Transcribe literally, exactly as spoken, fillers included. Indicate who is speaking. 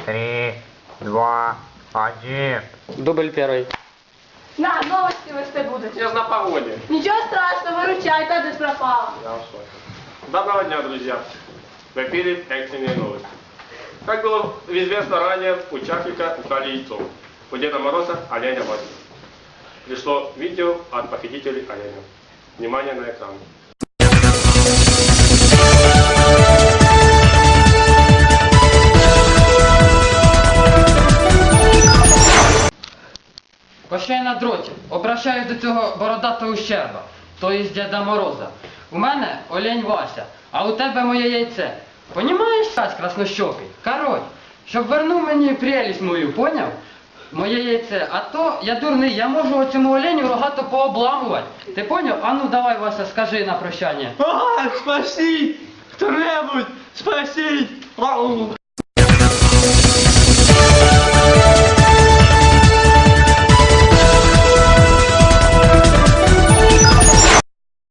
Speaker 1: три, два, один.
Speaker 2: Дубль первый.
Speaker 3: На, новости вести будуть.
Speaker 4: Я ж на погоде.
Speaker 3: Нічого страшного, виручай, та десь пропала.
Speaker 4: Я в шоке. Доброго дня, друзья. В эфире экстренные новости. Как было известно ранее, у Чаклика украли яйцо. У Деда Мороза оленя Васи. Пришло видео от похитителей оленя. Внимание на экран.
Speaker 2: Пошли на дроті. Обращаюсь до цього бородатого ущерба, то є Діда Мороза. У мене олень Вася, а у тебе моє яйце. Понімаєш, Сась краснощокий? Короть, щоб вернув мені прелість мою, поняв? Моє яйце. А то я дурний, я можу цьому оленю рогато пообламувати. Ти поняв? А ну давай, Вася, скажи на прощання.
Speaker 5: А, спасіть! Хто-небудь! Спасіть! Ау!